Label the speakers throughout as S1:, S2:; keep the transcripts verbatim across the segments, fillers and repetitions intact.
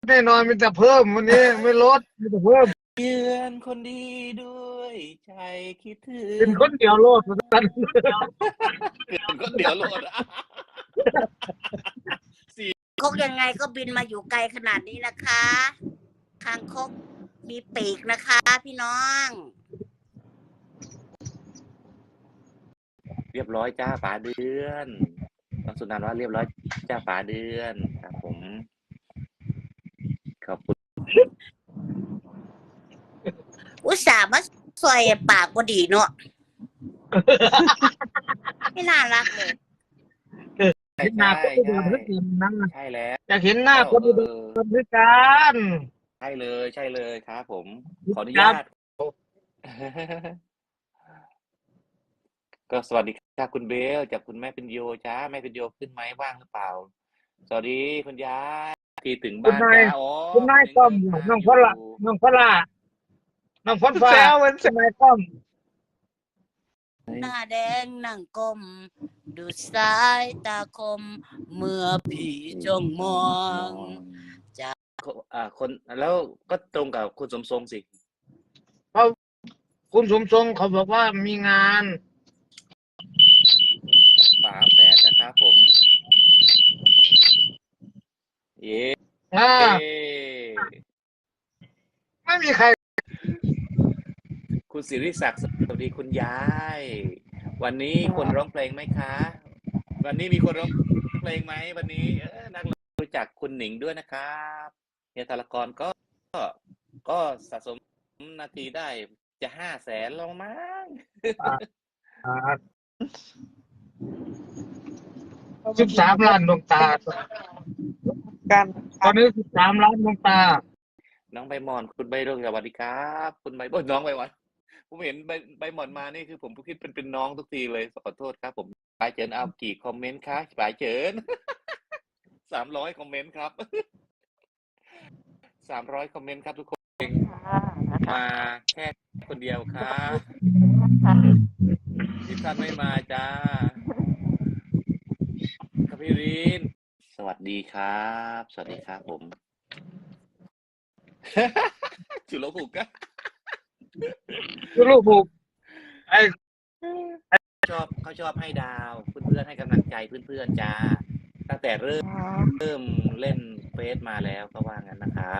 S1: แน่นอนมีแต่เพิ่มวันนี้ไม่ลดมีแต่เพิ่ม
S2: เยือนคนดีด้วยใจคิดถึ
S1: เป็น
S2: ง
S1: คนเดียวโลดสัน
S2: เป็นคนเดียวโลด
S3: คกยังไงก็บินมาอยู่ไกลขนาดนี้นะคะคางคกมีปีกนะคะพี่น้อง
S2: เรียบร้อยจ้าป๋าเดือนน้องสุนันท์ว่าเรียบร้อยจ้าป๋าเดือนครับผมขอบคุณ
S3: อุตส่าห์มาซอยปากก็ดีเนาะไม่น่ารักเลย
S2: ใช่
S1: เห็นหน้า
S2: ใช่
S1: คนอุดร
S2: ใช่
S1: ด้วยกันนั่ง
S2: ใช่แล้ว
S1: อยากเห็นหน้าคน
S2: เอ
S1: อุด
S2: อ
S1: รด้วยกัน
S2: ใช่เลยใช่เลยครับผมขออนุญาต ก็สวัสดีค่ะคุณเบลจากคุณแม่เป็นโยจ้าแม่เป็นโยขึ้นไหมว่างหรือเปล่าสวัสดีคุณยายที่ถึง
S1: คุณ
S2: บ้าน
S1: นาย
S2: จ้าอ๋อ
S1: คุณนายก้อมน้องพละน้องพละน้องพลฟ้าคุณนายก้อม
S3: หน้าแดงนั่งก้มดูสายตาคมเมื่อพี่จ้องมอง จ้า
S2: อ่าคนแล้วก็ตรงกับคุณสมทรงสิ
S1: คุณสมทรงเขาบอกว่ามีงาน
S2: ฝาแฝดนะครับผมเย้
S1: อ่าไม่มีใคร
S2: คุณศิริศักดิ์สวัสดีคุณยายวันนี้คนร้องเพลงไหมคะ วันนี้มีคนร้องเพลงไหมวันนี้เออนักรู้จักคุณหนิงด้วยนะครับเฮียธารกรก็ก็ก็สะสมนาทีได้จะห้าแสนแล้วมั้ง
S1: สิบสามล้านดวงตา
S4: กัน
S1: ตอนนี้สิบสามล้านดวงตา
S2: น้องใบหมอนคุณใบเรื่องสวัสดีครับคุณใบโอ้ยน้องใบหมอนผมเห็นใบใบหมอนมานี่คือผมคิดเป็นเป็นน้องทุกทีเลยขอโทษครับผมปลายเจินเอากี่คอมเมนต์คะปลายเจิน สามร้อยคอมเมนต์ครับ สามร้อยคอมเมนต์ครับทุกคนมาแค่คนเดียวครับที่ท่านไม่มาจ้าครับพี่รินสวัสดีครับ สวัสดีครับผม จุลภูกะ
S1: คือลูกผูกไอ้
S2: ชอบเขาชอบให้ดาวเพื่อนๆให้กำลังใจเพื่อนๆจ้าตั้งแต่เริ่มเริ่มเล่นเฟซมาแล้วก็ว่างั้นนะครับ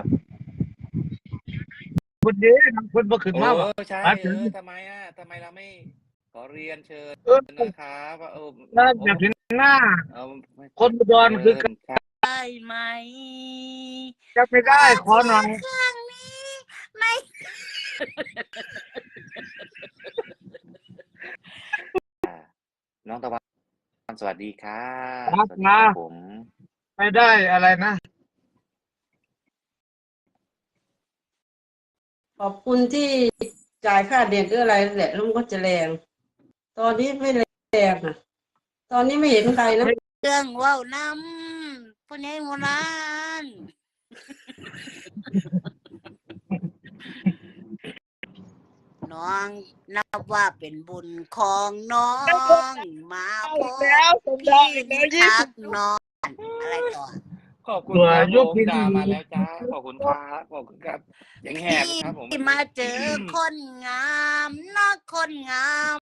S1: คนเดียวคนบ่ขึ้น
S2: โอ้
S1: มาว่ะ
S2: ใช่
S1: มา
S2: เอ
S1: ถึง
S2: อทำไมอ่ะทำไมเราไม่ขอเรียนเชิญ
S1: เออ
S2: นะครับว่าเออ
S1: น่าอยากเห็นหน้า
S2: เอา
S1: คนอุดรคือ
S2: เชิญครับ
S3: ได้ไหม
S1: จะไม่ได้ขอหน่อย
S3: ครั้งนี้ไม่
S2: น้องตะวันสวัสดีครับ
S1: ครับ
S2: สวัสดีครับ
S1: นะ
S2: ผม
S1: ไม่ได้อะไรนะ
S4: ขอบคุณที่จ่ายค่าเด็ดหรืออะไรแหละแล้วมันก็จะแรง ตอนนี้ไม่แรงอ่ะ ตอนนี้ไม่เห็นใครนะ
S3: เรื่องว่าวน้ำพ่อใหญ่โบราณน้องนับว่าเป็นบุญของน้องมาพบพี่ทักน้องอะไรต่อ
S2: ขอบคุณ
S1: ตัว
S2: ครับ
S1: ย
S2: ผ
S1: ก
S2: ม
S1: พิน
S2: ดามาแล้วจ้าขอบคุณครับขอบคุณครับยังแหบนะครับผม
S3: ที่มาเจอคนงามนะคนงาม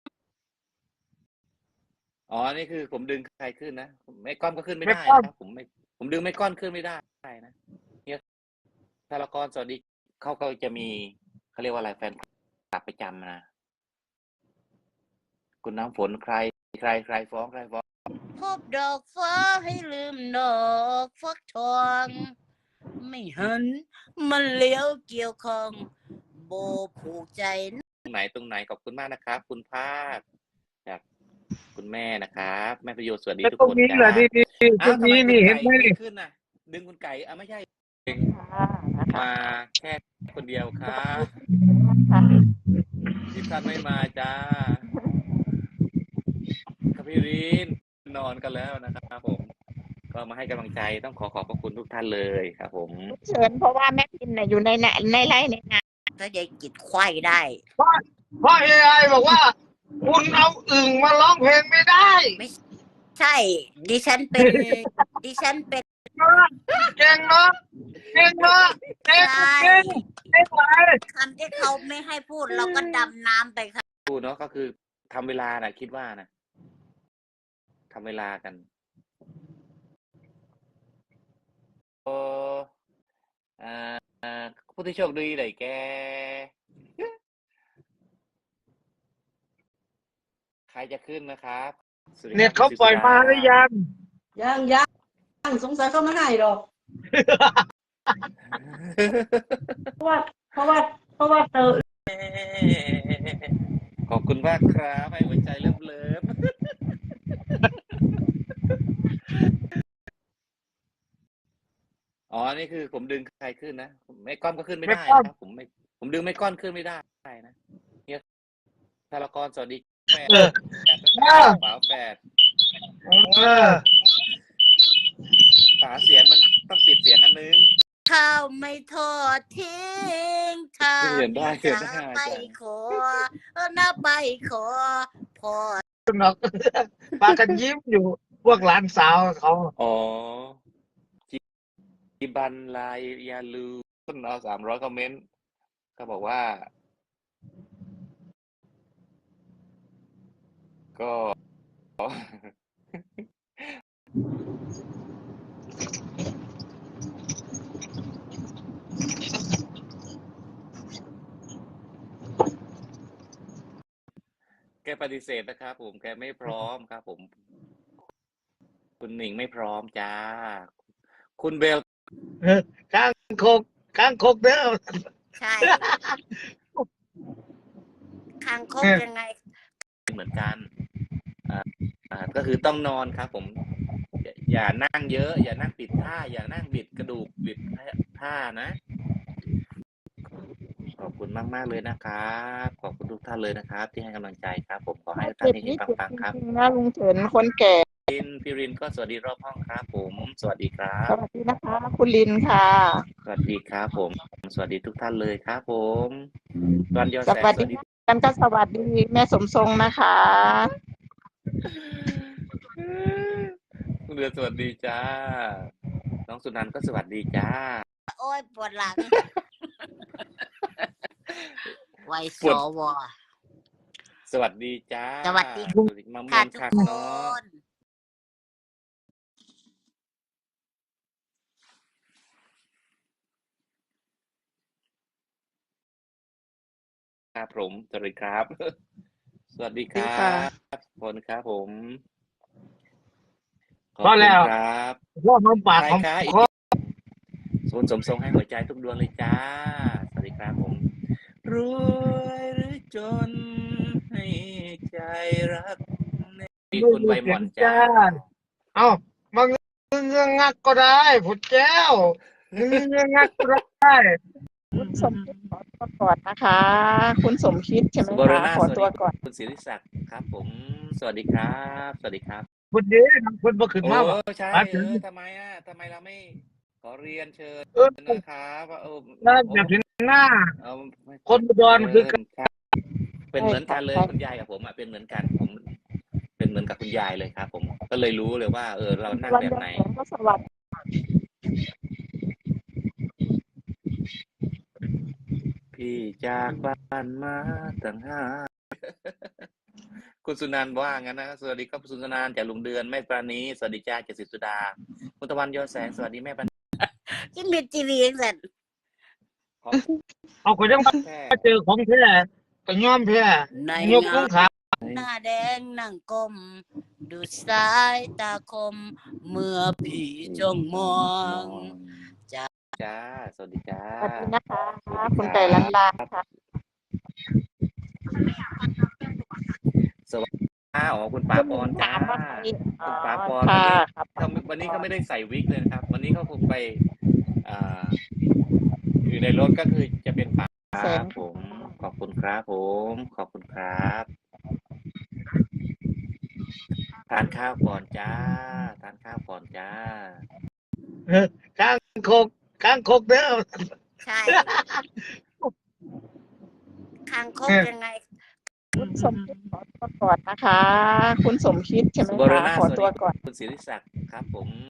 S2: อ๋อนี่คือผมดึงใครขึ้นนะไม่ก้อนก็ขึ้นไม่ได้
S1: ไม่ก้อน
S2: นะครับผมไม่ผมดึงไม่ก้อนขึ้นไม่ได้นะเนี่ยธารกรสวัสดีเขาก็จะมีเขาเรียกว่าอะไรแฟนคลับประจำนะคุณน้ำฝนใครใครใครฟ้องใครฟ้อง
S3: พบดอกฟ้าให้ลืมดอกฟักทองไม่หันมันเลี้ยวเกี่ยวของโบผูกใจ
S2: ตรงไหนตรงไหนขอบคุณมากนะครับ คุณภาคจากคุณแม่นะครับแม่ประโยชน์สวัสดี
S1: แต่
S2: ทุก
S1: ตรง
S2: คน
S1: นี้
S2: จ้า
S1: แหละดีๆตร
S2: อ้าว
S1: ง
S2: ทำไม
S1: นี้
S2: คุณ
S1: นี่เห็น
S2: ไก่
S1: ไหม
S2: ไม่
S1: นี่
S2: ขึ้นน่ะ ดึงคุณไก่อ่ะไม่ใช่มาแค่คนเดียวครับที่ท่านไม่มาจ้าครับพี่รินนอนกันแล้วนะครับผม ก็มาให้กำลังใจต้องขอขอบพระคุณทุกท่านเลยครับผม
S5: เชิญเพราะว่าแม่พินน่ะอยู่ในในในไร่ในนา
S3: ถ้ายายกิดควายได้
S1: เพราะเพราะเอไอบอกว่า คุณเอาอึ่งมาร้องเพลงไม่ได้
S3: ใช่ ดิฉันเป็น ดิฉันเป็น
S1: เนาะเก่งเนาะเก่งเนาะเก่ง
S3: ใช่
S1: เก่งเก่งไป
S3: คำที่เขาไม่ให้พูดเราก็ดำน้ำไปค่ะ
S2: พูดเนาะก็คือทำเวลานะคิดว่านะทำเวลากันโอ้อ่าผู้ที่โชคดีได้แกใครจะขึ้นนะครับสวัสดีครับ
S1: เน็ตเขาปล่อยมาหรือยัง
S4: ยังยังสงสัยเขาไม่ให้หรอก เพราะว่า เพราะว่า เพราะว่าเธอ
S2: ขอบคุณมากครับให้หัวใจเลิฟเลิฟอ๋อนี่คือผมดึงใครขึ้นนะไม่ก้อนก็ขึ้นไม่ได้นะครับผมไม่ผมดึงไม่ก้อนขึ้นไม่ได้นะเนี่ยธารกรสวัสดีแม่
S1: เออ
S2: ฝาแฝด
S1: เออ
S2: ฝาเสียงมันต้องปิดเสียงอันนึง
S3: ข้าวไม่ทอดทิ้งถ้า
S2: เขียนได้เขียน
S3: จะ
S2: ได้
S3: ไปขอเออนะไปขอพอ
S1: หนอกปากันยิ้มอยู่พวกหลานสาวเขา
S2: อ๋อจิบันลายยาลูต้นเอาสามร้อยคอมเมนต์เขาบอกว่า ก็ แกปฏิเสธนะครับผมแกไม่พร้อมครับผม คุณหนิงไม่พร้อมจ้า คุณเบล
S1: เออข้างคกข้างคกเด้อ
S3: ใช่คางคกยังไง
S2: เหมือนกันอ่าอ่าก็คือต้องนอนครับผมอย่าอย่านั่งเยอะ อย่านั่งปิดท่า อย่านั่งบิดกระดูกบิดท่านะ ขอบคุณมากมากๆเลยนะครับขอบคุณทุกท่านเลยนะครับ ที่ให้กำลังใจครับ ผมขอให้ทุกท่านเฮงๆปังๆครับ
S5: จริงๆนะลุงเฉินคนแก่
S2: รินพี่รินก็สวัสดีรอบห้องครับผม สวัสดีครั
S5: ส
S2: บ
S5: วัสดีนะคะ คุณลินค่ะ
S2: สวัสดีครับผม สวัสดีทุกท่านเลยครับผมวันยอ
S5: ส
S2: แสง
S5: วัส
S2: สวัส
S5: ดี
S2: ดี
S5: กันก็สวัสดีแม่สมทรงนะคะ
S2: คุณเดือนสวัสดีจ้า น้องสุนันท์ก็สวัสดีจ้า
S3: โอ้ยปวดหลัง ไวส
S2: ปวด
S3: ว
S2: สวัสดีจ้า
S3: สวัสดี
S2: มะม่
S3: ค่ะ
S2: วง
S3: ทุก
S2: คัก
S3: ค
S2: เนาะ
S3: น
S2: ครับผมสวัสดีครับ สวัสดีค
S5: ดี
S2: รั
S5: ค่ะ
S2: บคนครับผมขอบ
S1: พอ
S2: คุ
S1: แล้
S2: ณ
S1: ว
S2: ครับ
S1: พวกมันปาก
S2: ใคร
S1: ของ
S2: คะอีก
S1: คอ
S2: ศูนย์สมทรงให้หัวใจทุกดวงเลยจ้า สวัสดีครับผม รวยหรือจนให้ใจรักมีคุณใบหม่อนจ้า
S1: เอ้ามาเงื้องักก็ได้ผุดแก้วเงื้องักก็ได้
S5: คุณสมคิดขอตัวก่อนนะคะ คุณสมคิดใช่ไหม
S2: สุบร
S5: คะ
S2: ณา
S5: ขอ
S2: สวัส
S5: ตั
S2: ดี
S5: วก่อน
S2: คุณศิริศักดิ์ครับผม สวัสดีครับ สวัสดีครับ
S1: ผุดเด้ทำคนบ่ขึ้น
S2: โอ้
S1: มาบ่
S2: ใช่
S1: มา
S2: เอ
S1: ถึง
S2: อทำไมอ่ะทำไมเราไม่ขอเรียนเชิญ
S1: เออ
S2: นะครับว่าเออ
S1: น่า
S2: โอ้
S1: จะถึงหน้า
S2: เอา
S1: คนอุดร
S2: เอ
S1: คือ
S2: อ
S1: กัน
S2: ครับเป็นเหมือนกันเลย
S5: ใช่ค่ะ
S2: คุณยายกับผมอ่ะเป็นเหมือนกันผม เป็นเหมือนกับคุณยายเลยครับผมก็เลยรู้เลยว่า เออ เรานั่ง
S5: วัน
S2: แบบ
S5: ยอ
S2: ไหน
S5: แสงก็สวัสดี
S2: พี่จากบ้านมาตั้งห้า คุณสุนันท์ว่างั้นนะสวัสดีครับคุณสุนันท์จากลุงเดือนแม่ปราณีสวัสดีจ้าเจสิสุดาคุณตะวันยอแสงสวัสดีแม่ปราณี
S3: กินเม็ดจีวีเองสัน
S2: ขอ
S1: เอาก็ยัง
S2: แค่
S1: มาเจอของแท้ก็ยอมแพ้
S3: ใน
S1: ยกล
S3: งาง น
S1: ขา
S3: หน้าแดงนั่งก้มดูสายตาคม เมื่อพี่จ้องมอง จ้า
S2: จ้าสวัสดีจ้า
S5: สวัสดีนะคะ
S2: สวัสดี
S5: คุณ
S2: ค
S5: ไก่
S2: รั
S5: ลัน
S2: บ
S5: ลาค่ะ
S2: สวัสดีจ้าอ๋อคุณป๋า
S5: คุณ
S2: ป
S5: ห
S2: อ
S5: ญิ
S2: น
S5: ง
S2: จ้า
S5: ถามว่าใครอ๋
S2: คุ
S5: อ
S2: ณป๋าปอน
S5: ค่ะ
S2: วันนี้
S5: ครับ
S2: เขาวันนี้เขาไม่ได้ใส่วิกเลยนะครับ วันนี้เขาคงไปอ่าอยู่ในรถก็คือจะเป็นป๋า
S5: แสง
S2: ผม ขอบคุณครับผม ขอบคุณครับทานข้าวก่อนจ้าทานข้าวก่อนจ้า
S1: เออข้างคกข้างคกเด้อ
S3: ใช่ คางคก
S1: เออ
S3: ยังไง
S5: คุณสมคิดขอตัวก่อนนะคะ คุณสมคิดใช่ไหม
S2: สุบร
S5: คะ
S2: ณา
S5: ขอ
S2: สวัส
S5: ตัว
S2: ดี
S5: ก่อน
S2: คุณศิริศักดิ์ครับผม